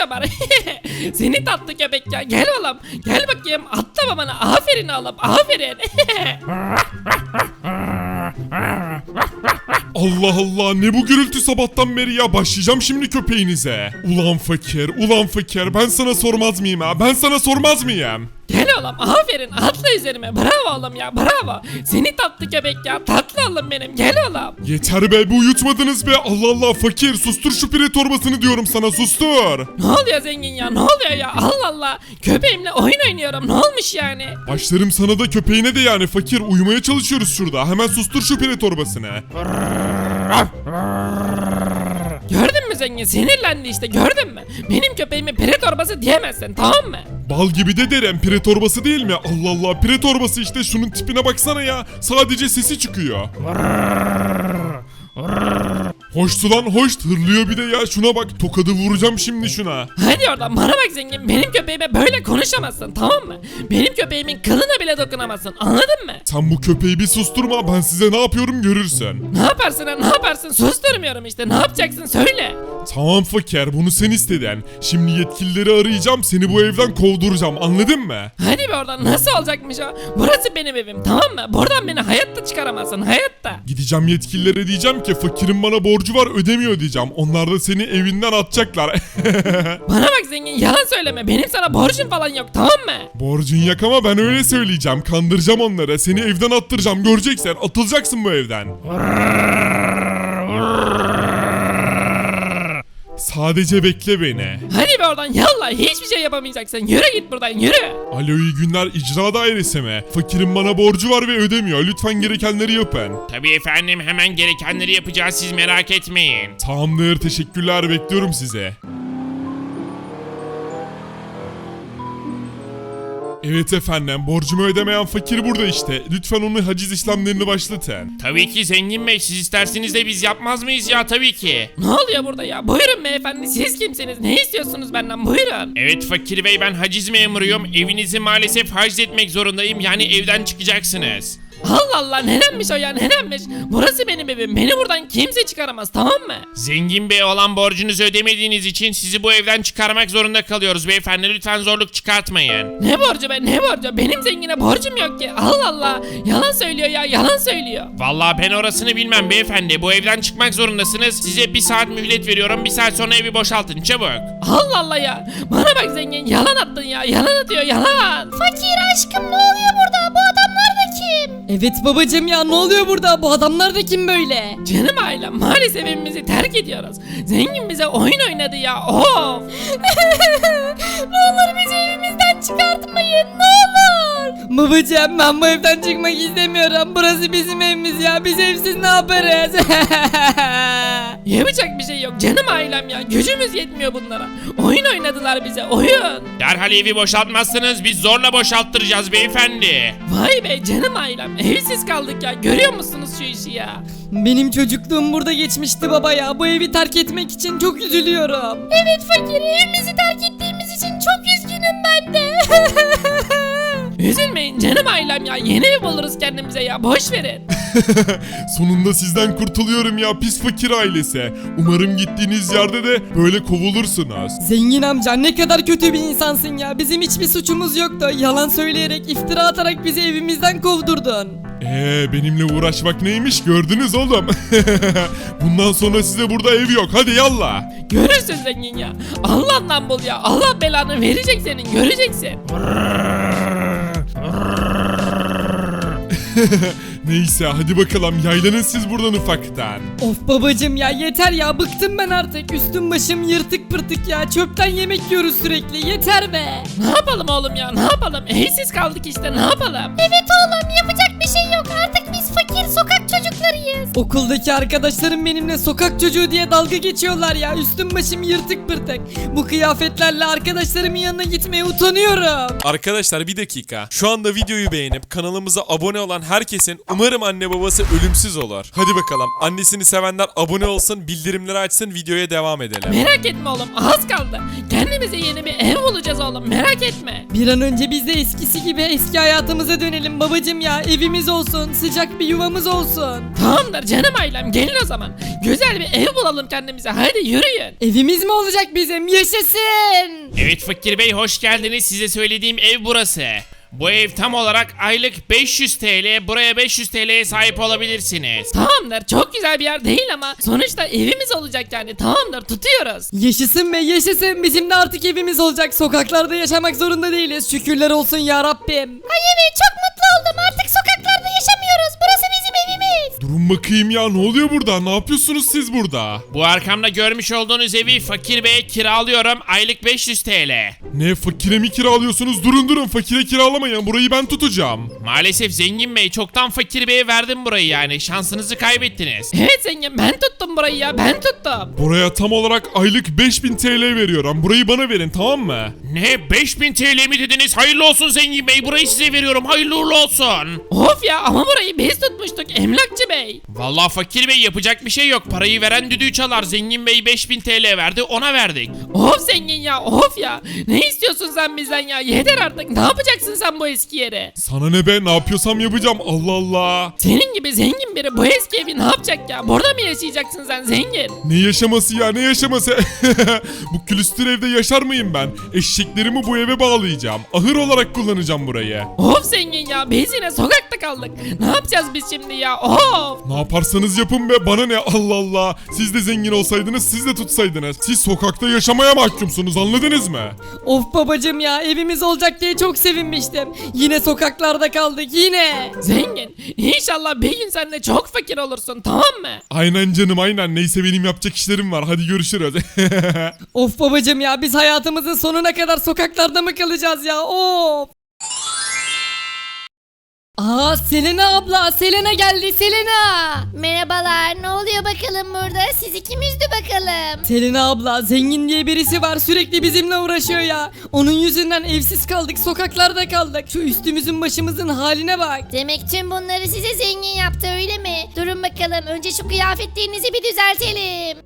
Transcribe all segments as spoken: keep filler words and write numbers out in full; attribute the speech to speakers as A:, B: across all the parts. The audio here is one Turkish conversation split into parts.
A: şamar. Seni tatlı köpek ya, gel oğlum. Gel bakayım, atla bana, aferin oğlum, aferin.
B: Allah Allah, ne bu gürültü sabahtan beri ya, başlayacağım şimdi köpeğinize. Ulan fakir, ulan fakir, ben sana sormaz mıyım ha, ben sana sormaz mıyım?
A: Gel oğlum, aferin, atla üzerime, bravo oğlum ya, bravo. Seni tatlı köpek ya, tatlı oğlum benim, gel oğlum.
B: Yeter be, bu uyutmadınız be, Allah Allah fakir, sustur şu pire torbasını diyorum sana, sustur.
A: Ne oluyor zengin ya, ne oluyor ya, Allah Allah. Köpeğimle oyun oynuyorum, ne olmuş yani?
B: Başlarım sana da köpeğine de yani fakir, uyumaya çalışıyoruz şurada, hemen sustur şu pire torbasını.
A: Gördün mü zengin, sinirlendi işte, gördün mü? Benim köpeğime pire torbası diyemezsin, tamam mı?
B: Bal gibi de derim, pire torbası değil mi? Allah Allah, pire torbası işte, şunun tipine baksana ya, sadece sesi çıkıyor. Hoştu lan, hoş, hırlıyor bir de ya, şuna bak, tokadı vuracağım şimdi şuna.
A: Hadi oradan, bana bak zengin, benim köpeğime böyle konuşamazsın, tamam mı? Benim köpeğimin kılına bile dokunamazsın, anladın mı?
B: Sen bu köpeği bir susturma, ben size ne yapıyorum görürsün.
A: Ne yaparsın ha, ne yaparsın, susturmuyorum işte, ne yapacaksın söyle.
B: Tamam fakir, bunu sen istedin. Şimdi yetkilileri arayacağım, seni bu evden kovduracağım, anladın mı?
A: Hadi be oradan, nasıl olacakmış o? Burası benim evim, tamam mı? Buradan beni hayatta çıkaramazsın, hayatta.
B: Gideceğim yetkililere, diyeceğim ki fakirin bana borcu var, ödemiyor diyeceğim. Onlar da seni evinden atacaklar.
A: Bana bak zengin, yalan söyleme, benim sana borcum falan yok, tamam mı?
B: Borcun yok ama ben öyle söyleyeceğim, kandıracağım onları, seni evden attıracağım, göreceksin, atılacaksın bu evden. Sadece bekle beni.
A: Hadi be oradan, yallah, hiçbir şey yapamayacaksın, yürü git buradan, yürü.
B: Alo, iyi günler, icra dairesi mi? Fakirin bana borcu var ve ödemiyor, lütfen gerekenleri yapın.
C: Tabii efendim, hemen gerekenleri yapacağız, siz merak etmeyin.
B: Tamamdır, teşekkürler, bekliyorum sizi. Evet efendim, borcumu ödemeyen fakir burada işte. Lütfen onun haciz işlemlerini başlatın.
C: Tabii ki zengin bey, siz isterseniz de biz yapmaz mıyız ya, tabii ki.
A: Ne oluyor burada ya? Buyurun beyefendi, siz kimsiniz? Ne istiyorsunuz benden? Buyurun.
C: Evet fakir bey, ben haciz memuruyum, evinizi maalesef haciz etmek zorundayım, yani evden çıkacaksınız.
A: Allah Allah, nedenmiş o ya, nedenmiş? Burası benim evim, beni buradan kimse çıkaramaz, tamam mı?
C: Zengin bey olan borcunuzu ödemediğiniz için sizi bu evden çıkarmak zorunda kalıyoruz beyefendi, lütfen zorluk çıkartmayın.
A: Ne borcu be, ne borcu? Benim zengine borcum yok ki. Allah Allah, yalan söylüyor ya, yalan söylüyor.
C: Vallahi ben orasını bilmem beyefendi, bu evden çıkmak zorundasınız, size bir saat mühlet veriyorum, bir saat sonra evi boşaltın çabuk.
A: Allah Allah ya, bana bak zengin, yalan attın ya, yalan atıyor, yalan.
D: Fakir aşkım, ne oluyor burada? Bu adamlar da kim?
E: Evet babacım ya, ne oluyor burada? Bu adamlar da kim böyle?
A: Canım ailem, maalesef evimizi terk ediyoruz. Zengin bize oyun oynadı ya, of.
D: Ne olur bizi evimizden çıkartmayın, ne olur.
E: Babacım, ben bu evden çıkmak istemiyorum. Burası bizim evimiz ya. Biz evsiz ne yaparız?
A: Yapacak bir şey yok canım ailem ya, gücümüz yetmiyor bunlara. Oyun oynadılar bize, oyun.
C: Derhal evi boşaltmazsanız biz zorla boşalttıracağız beyefendi.
A: Vay be canım ailem, evsiz kaldık ya, görüyor musunuz şu işi ya?
E: Benim çocukluğum burada geçmişti baba ya. Bu evi terk etmek için çok üzülüyorum.
D: Evet fakir, evimizi terk ettiğimiz için çok üzgünüm ben de.
A: Üzülmeyin canım ailem ya, yeni ev buluruz kendimize ya, boş verin.
B: Sonunda sizden kurtuluyorum ya, pis fakir ailesi. Umarım gittiğiniz yerde de böyle kovulursunuz.
E: Zengin amca, ne kadar kötü bir insansın ya. Bizim hiçbir suçumuz yoktu. Yalan söyleyerek, iftira atarak bizi evimizden kovdurdun.
B: Eee benimle uğraşmak neymiş gördünüz oğlum. Bundan sonra size burada ev yok, hadi yallah.
A: Görürsün zengin ya, Allah'tan bul ya, Allah belanı verecek senin, göreceksin.
B: Neyse hadi bakalım, yaylanın siz buradan ufaktan.
E: Of babacım ya, yeter ya, bıktım ben artık. Üstüm başım yırtık pırtık ya. Çöpten yemek yiyoruz sürekli, yeter be.
A: Ne yapalım oğlum ya, ne yapalım, evsiz kaldık işte, ne yapalım?
D: Evet oğlum, yapacak bir şey yok, artık biz fakir sokak çocuklarıyız.
E: Okuldaki arkadaşlarım benimle sokak çocuğu diye dalga geçiyorlar ya. Üstüm başım yırtık pırtık. Bu kıyafetlerle arkadaşlarımın yanına gitmeye utanıyorum.
F: Arkadaşlar bir dakika. Şu anda videoyu beğenip kanalımıza abone olan herkesin umarım anne babası ölümsüz olur. Hadi bakalım. Annesini sevenler abone olsun, bildirimleri açsın, videoya devam edelim.
A: Merak etme oğlum, az kaldı. Kendimize yeni bir ev bulacağız oğlum, merak etme.
E: Bir an önce biz de eskisi gibi eski hayatımıza dönelim babacım ya. Evimiz olsun, sıcak bir yuvamız olsun.
A: Tamamdır canım ailem, gelin o zaman. Güzel bir ev bulalım kendimize, hadi yürüyün.
E: Evimiz mi olacak bizim? Yaşasın.
C: Evet Fakir Bey, hoş geldiniz. Size söylediğim ev burası. Bu ev tam olarak aylık beş yüz T L, buraya beş yüz T L'ye sahip olabilirsiniz.
A: Tamamdır, çok güzel bir yer değil ama sonuçta evimiz olacak yani, tamamdır, tutuyoruz.
E: Yaşasın be yaşasın. Bizim de artık evimiz olacak. Sokaklarda yaşamak zorunda değiliz. Şükürler olsun ya Rabbim.
D: Ay evet çok mutlu oldum. Artık sokaklarda yaşamıyoruz. Burası bizim evimiz.
B: Durun bakayım ya, ne oluyor burada? Ne yapıyorsunuz siz burada?
C: Bu arkamda görmüş olduğunuz evi Fakir Bey'e kiralıyorum, aylık beş yüz T L.
B: Ne, fakire mi kiralıyorsunuz? Durun durun, fakire kiralamayın, burayı ben tutacağım.
C: Maalesef Zengin Bey, çoktan Fakir Bey'e verdim burayı yani, şansınızı kaybettiniz.
A: Evet zengin, ben tuttum burayı ya, ben tuttum.
B: Buraya tam olarak aylık beş bin T L veriyorum. Burayı bana verin, tamam mı?
C: Ne, beş bin T L mi dediniz? Hayırlı olsun Zengin Bey, burayı size veriyorum, hayırlı uğurlu olsun.
A: Of ya, ama burayı biz tutmuştuk emlakçı bey.
C: Vallahi Fakir Bey, yapacak bir şey yok, parayı veren düdüğü çalar. Zengin Bey beş bin T L verdi, ona verdik.
A: Of zengin ya, of ya. Ne istiyorsun sen bizden ya? Yeter artık, ne yapacaksın sen bu eski yere?
B: Sana ne be, ne yapıyorsam yapacağım, Allah Allah.
A: Senin gibi zengin biri bu eski evi ne yapacak ya? Burada mı yaşayacaksın sen zengin?
B: Ne yaşaması ya, ne yaşaması? Bu külüstür evde yaşar mıyım ben? Eşeklerimi bu eve bağlayacağım. Ahır olarak kullanacağım burayı.
A: Of zengin ya, biz yine sokakta kaldık. Ne yapacağız biz şimdi ya? Of.
B: Ne yaparsanız yapın be, bana ne, Allah Allah. Siz de zengin olsaydınız, siz de tutsaydınız. Siz sokakta yaşamaya mahkumsunuz, anladınız mı?
E: Of babacım ya, evimiz olacak diye çok sevinmiştim. Yine sokaklarda kaldık yine.
A: Zengin, İnşallah bir gün sen de çok fakir olursun, tamam mı?
B: Aynen canım, aynen. Neyse, benim yapacak işlerim var, hadi görüşürüz.
E: Of babacım ya, biz hayatımızın sonuna kadar sokaklarda mı kalacağız ya? Of. Aa Selena abla, Selena geldi, Selena.
D: Merhabalar. Ne oluyor bakalım burada? Siz ikimiz de bakalım.
E: Selena abla, zengin diye birisi var, sürekli bizimle uğraşıyor ya. Onun yüzünden evsiz kaldık, sokaklarda kaldık. Şu üstümüzün başımızın haline bak.
D: Demek tüm bunları size zengin yaptı öyle mi? Durun bakalım. Önce şu kıyafetlerinizi bir düzeltelim.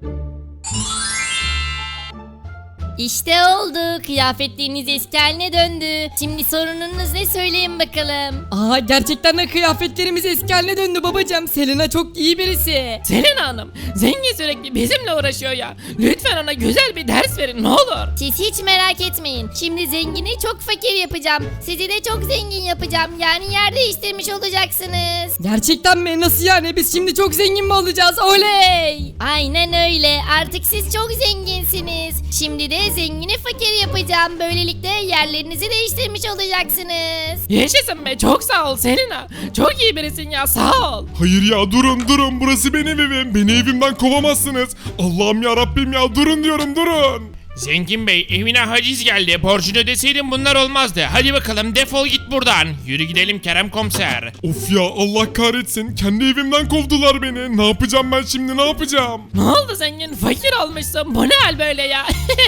D: İşte oldu. Kıyafetleriniz eski haline döndü. Şimdi sorununuz ne, söyleyin bakalım.
E: Aa gerçekten de kıyafetlerimiz eski haline döndü babacım. Selena çok iyi birisi.
A: Selena Hanım, zengin sürekli bizimle uğraşıyor ya. Lütfen ona güzel bir ders verin, ne olur.
D: Siz hiç merak etmeyin. Şimdi zengini çok fakir yapacağım. Sizi de çok zengin yapacağım. Yani yer değiştirmiş olacaksınız.
E: Gerçekten mi? Nasıl yani? Biz şimdi çok zengin mi olacağız? Oley!
D: Aynen öyle. Artık siz çok zenginsiniz. Şimdi de zengini fakir yapacağım. Böylelikle yerlerinizi değiştirmiş olacaksınız.
A: Yaşasın be, çok sağ ol Selena. Çok iyi birisin ya, sağ ol.
B: Hayır ya, durun durun, burası benim evim. Beni evimden kovamazsınız. Allah'ım ya Rabbim ya, durun diyorum, durun.
C: Zengin Bey, evine haciz geldi, borcunu ödeseydin bunlar olmazdı. Hadi bakalım, defol git buradan. Yürü gidelim Kerem Komiser.
B: Of ya, Allah kahretsin. Kendi evimden kovdular beni. Ne yapacağım ben şimdi, ne yapacağım?
A: Ne oldu zengin, fakir olmuşsun, bu ne hal böyle ya?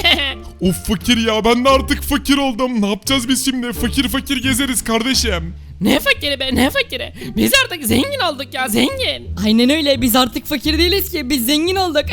B: Of fakir ya, ben de artık fakir oldum. Ne yapacağız biz şimdi? Fakir fakir gezeriz kardeşim.
A: Ne fakiri be, ne fakiri? Biz artık zengin olduk ya, zengin.
E: Aynen öyle, biz artık fakir değiliz ki, biz zengin olduk.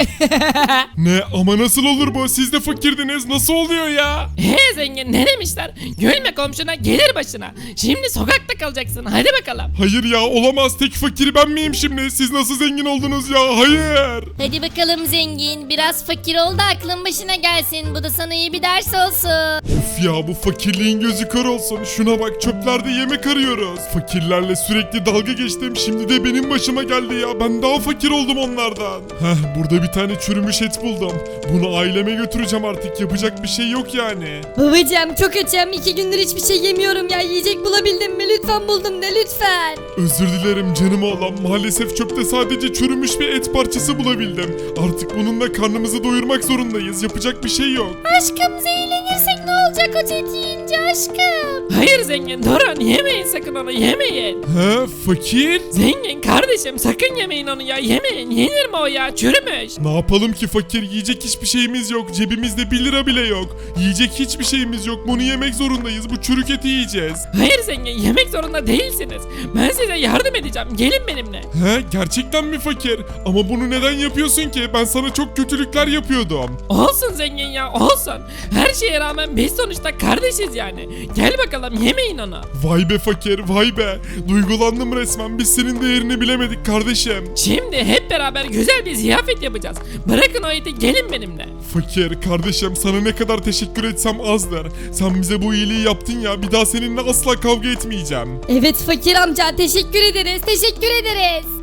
B: Ne, ama nasıl olur bu? Siz de fakirdiniz, nasıl oluyor ya?
A: He zengin, ne demişler? Gülme komşuna gelir başına. Şimdi sokakta kalacaksın, hadi bakalım.
B: Hayır ya, olamaz. Tek fakiri ben miyim şimdi? Siz nasıl zengin oldunuz ya? Hayır.
D: Hadi bakalım zengin. Biraz fakir ol da aklın başına gelsin. Bu da sana iyi bir ders olsun.
B: Of ya, bu fakirliğin gözü kör olsun. Şuna bak, çöplerde yemek arıyoruz. Fakirlerle sürekli dalga geçtim. Şimdi de benim başıma geldi ya. Ben daha fakir oldum onlardan. Heh, burada bir tane çürümüş et buldum. Bunu aileme götüreceğim artık. Yapacak bir şey yok yani.
E: Babacım çok açım, iki gündür hiçbir şey yemiyorum ya. Yiyecek bulabildin mi? Lütfen buldum de, lütfen.
B: Özür dilerim canım oğlum. Maalesef çöpte sadece çürümüş bir et parçası bulabildim. Artık bununla karnımızı doyurmak zorundayız. Yapacak bir şey yok.
D: Aşkım zehirlenirsek ne olacak o et yiyince aşkım?
A: Hayır zengin, durun, yemeyin sakın onu, yemeyin.
B: He, fakir?
A: Zengin kardeşim, sakın yemeyin onu ya, yemeyin. Yenir mi o ya, çürümüş.
B: Ne yapalım ki fakir? Yiyecek hiçbir şeyimiz yok. Cebimizde bir lira bile yok. Yiyecek hiçbir şeyimiz yok. Bunu yemek zorundayız. Bu çürük eti yiyeceğiz.
A: Hayır zengin, yemek zorunda değilsiniz. Ben size yardım edeceğim, gelin benimle.
B: He, gerçekten mi fakir? Ama bunu neden yapıyorsun ki? Ben sana çok kötülükler yapıyordum.
A: Olsun zengin ya, olsun. Her şeye rağmen biz sonuçta kardeşiz yani. Gel bakalım, yemeyin onu.
B: Vay be fakir. fakir, vay be. Duygulandım resmen, biz senin değerini bilemedik kardeşim.
A: Şimdi hep beraber güzel bir ziyafet yapacağız. Bırakın o iti, gelin benimle.
B: Fakir kardeşim, sana ne kadar teşekkür etsem azdır. Sen bize bu iyiliği yaptın ya, bir daha seninle asla kavga etmeyeceğim.
D: Evet fakir amca, teşekkür ederiz teşekkür ederiz.